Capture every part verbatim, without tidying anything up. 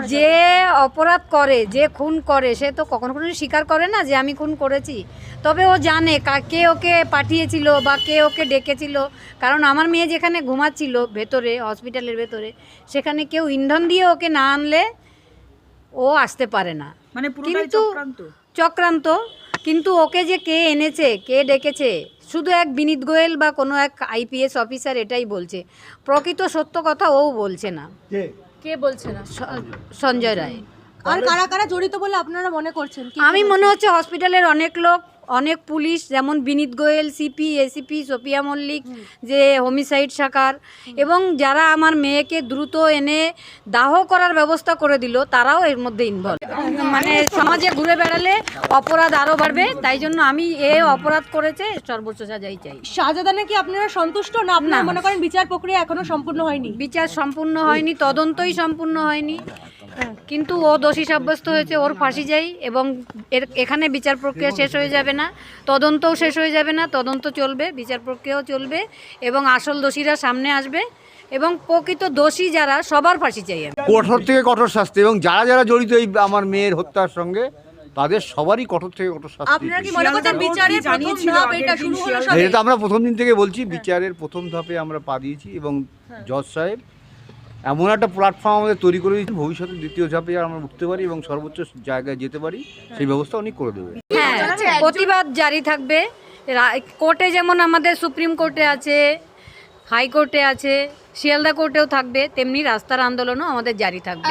যে অপরাধ করে, যে খুন করে, সে তো কখনো কোনো স্বীকার করে না যে আমি খুন করেছি। তবে ও জানে কে ওকে পাঠিয়েছিল বা কে ওকে ডেকেছিল। কারণ আমার মেয়ে যেখানে ঘুমাচ্ছিল ভেতরে, হসপিটালের ভেতরে, সেখানে কেউ ইন্ধন দিয়ে ওকে না আনলে ও আসতে পারে না। মানে কিন্তু চক্রান্ত। কিন্তু ওকে যে কে এনেছে, কে ডেকেছে, শুধু এক বিনীত গোয়েল বা কোনো এক আইপিএস অফিসার এটাই বলছে। প্রকৃত সত্য কথা ও বলছে না। কে বলছে না? সঞ্জয় রায়। আর কারা কারা জড়িত বলে আপনারা মনে করছেন? আমি মনে হচ্ছে হসপিটালের অনেক লোক, অনেক পুলিশ, যেমন Vineet Goel, CP, ACP, Sophia Mallick, যে হোমিসাইড শাখার, এবং যারা আমার মেয়েকে দ্রুত এনে দাহ করার ব্যবস্থা করে দিল, তারাও এর মধ্যে ইনভলভ। মানে সমাজে ঘুরে বেড়ালে অপরাধ আরও বাড়বে, তাই জন্য আমি এ অপরাধ করেছে সর্বোচ্চ সাজাই চাই। সাজাদা নাকি আপনারা সন্তুষ্ট না? আপনারা মনে করেন বিচার প্রক্রিয়া এখনো সম্পূর্ণ হয়নি? বিচার সম্পূর্ণ হয়নি, তদন্তই সম্পূর্ণ হয়নি, কিন্তু ও দোষী সাব্যস্ত হয়েছে, ওর ফাঁসি যাই। এবং এর এখানে বিচার প্রক্রিয়া শেষ হয়ে যাবে না, তদন্তও শেষ হয়ে যাবে না, তদন্ত চলবে, বিচার প্রক্রিয়াও চলবে, এবং আসল দোষীরা সামনে আসবে, এবং প্রকৃত দোষী যারা সবার ফাঁসি চাই আমি। কঠোর থেকে কঠোর শাস্তি, এবং যারা যারা জড়িত এই আমার মেয়ের হত্যার সঙ্গে তাদের সবারই কঠোর থেকে কঠোর শাস্তি। আপনারা কি মনে করছেন বিচারের প্রথম ধাপ এটা শুরু হলো সবে? এটা তো আমরা প্রথম দিন থেকে বলছি, বিচারের প্রথম ধাপে আমরা পা দিয়েছি, এবং জজ সাহেব এমন একটা প্ল্যাটফর্ম আমাদের তৈরি করে দিয়েছেন, ভবিষ্যতে দ্বিতীয় ধাপে আমরা উঠতে পারি এবং সর্বোচ্চ জায়গায় যেতে পারি, সেই ব্যবস্থা উনি করে দেবে। হ্যাঁ, প্রতিবাদ জারি থাকবে। কোর্টে যেমন আমাদের সুপ্রিম কোর্টে আছে, হাইকোর্টে আছে, শিয়ালদা কোর্টেও থাকবে, তেমনি রাস্তার আন্দোলনও আমাদের জারি থাকবে।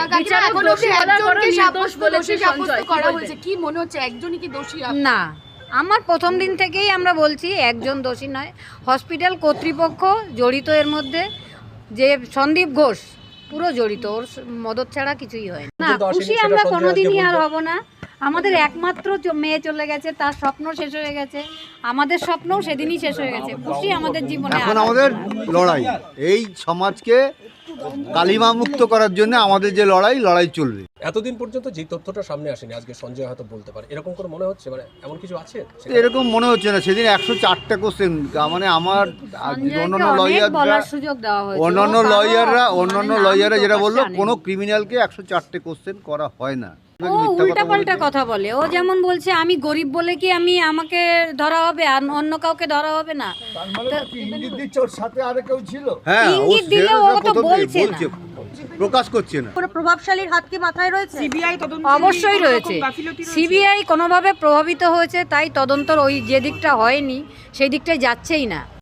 না, আমার প্রথম দিন থেকেই আমরা বলছি একজন দোষী নয়, হসপিটাল কর্তৃপক্ষ জড়িত এর মধ্যে। যে সন্দীপ ঘোষ পুরো জড়িত, ওর মদত ছাড়া কিছুই হয় না। খুশি আমরা কোনোদিনই আর হব না। আমাদের একমাত্র মেয়ে চলে গেছে, তার স্বপ্ন শেষ হয়ে গেছে, আমাদের স্বপ্নও সেদিনই শেষ হয়ে গেছে। খুশি আমাদের জীবনে। এখন আমাদের লড়াই এই সমাজকে কালিমা মুক্ত করার জন্য আমাদের যে লড়াই লড়াই চলবে। এতদিন পর্যন্ত যে তথ্যটা সামনে আসেনি, আজকে সঞ্জয় হয়তো বলতে পারে, এরকম করে মনে হচ্ছে? মানে এমন কিছু আছে? এরকম মনে হচ্ছে না। সেদিন একশো চারটা কোশ্চেন, মানে আমার অন্যান্য লয়াররা অন্যান্য লয়াররা অন্যান্য লয়াররা যেটা বললো, কোনো ক্রিমিনালকে একশো চারটে কোশ্চেন করা হয় না। ও উল্টাপাল্টা কথা বলে। ও যেমন বলছে আমি গরিব বলে কি আমি আমাকে ধরা হবে আর অন্য কাউকে ধরা হবে না। হ্যাঁ, ইঙ্গিত দিলেও ও তো বলছে না, প্রকাশ করছে না। প্রভাবশালীর হাত কি মাথায় রয়েছে? সিবিআই তদন্ত অবশ্যই রয়েছে। সিবিআই কোনোভাবে প্রভাবিত হয়েছে, তাই তদন্তর ওই যে দিকটা হয়নি সেই দিকটাই যাচ্ছেই না।